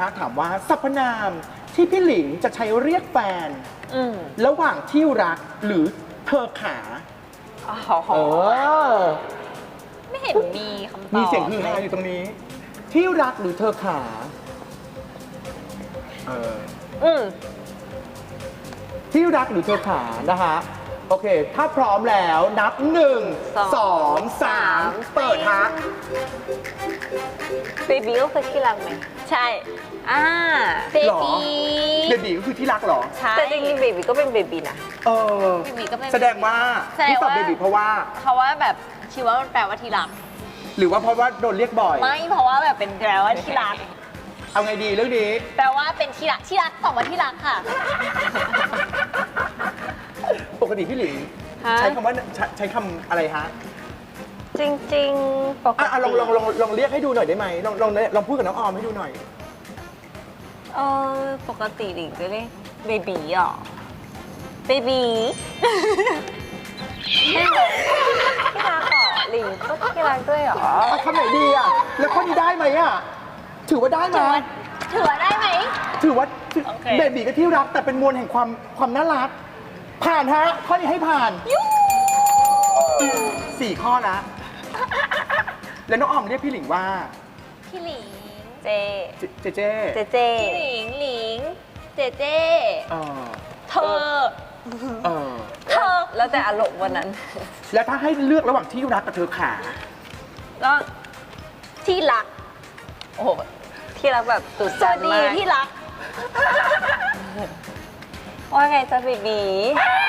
ฮะถามว่าสรรพนามที่พี่หลิงจะใช้เรียกแฟนระหว่างที่รักหรือเธอขาไม่เห็นมีคำตอบมีเสียงฮือฮาอยู่ตรงนี้ ที่รักหรือเธอขาที่รักหรือเธอขานะฮะโอเคถ้าพร้อมแล้วนับ1 2 3เปิดฮะเบบี้ก็คือที่รักไหมใช่เบหรอบี้เบบีก็คือที่รักเหรอใช่แต่จริงๆเบบี้ก็เป็นเบบี้นะ เบบีก็เป็นแสดงว่าที่ตอบเบบีเพราะว่าเพราะว่าแบบคิดว่ามันแปลว่าที่รักหรือว่าเพราะว่าโดนเรียกบ่อยไม่เพราะว่าแบบเป็นแปลว่าที่รักเอาไงดีเรื่องนี้แปลว่าเป็นที่รักตอบว่าที่รักค่ะปกติพี่หลิงใช้คำว่าใช้คำอะไรฮะจริงๆปกติลองเรียกให้ดูหน่อยได้ไหมลองพูดกับน้องออมให้ดูหน่อยปกติหลิงจะเรียกเบบีหรอเบบีที่รักเหรอหลิงก็ที่รักด้วยเหรอเอาคำไหนดีอ่ะแล้วข้อนี้ได้ไหมอ่ะถือว่าได้ไหมถือว่าได้ไหมถือว่าโอเคเบบีก็ที่รักแต่เป็นมวลแห่งความน่ารัก ผ่านฮะข้อนี้ให้ผ่าน4 ข้อละแล้วน้องออมเรียกพี่หลิงว่าพี่หลิงเจเจเจพี่หลิงเจเจเธอแล้วแต่อารมณ์วันนั้นแล้วถ้าให้เลือกระหว่างที่รักกับเธอขาก็ที่รักโอ้โหที่รักแบบตุดจันมากที่รักว่าไงจ๊ะเบบี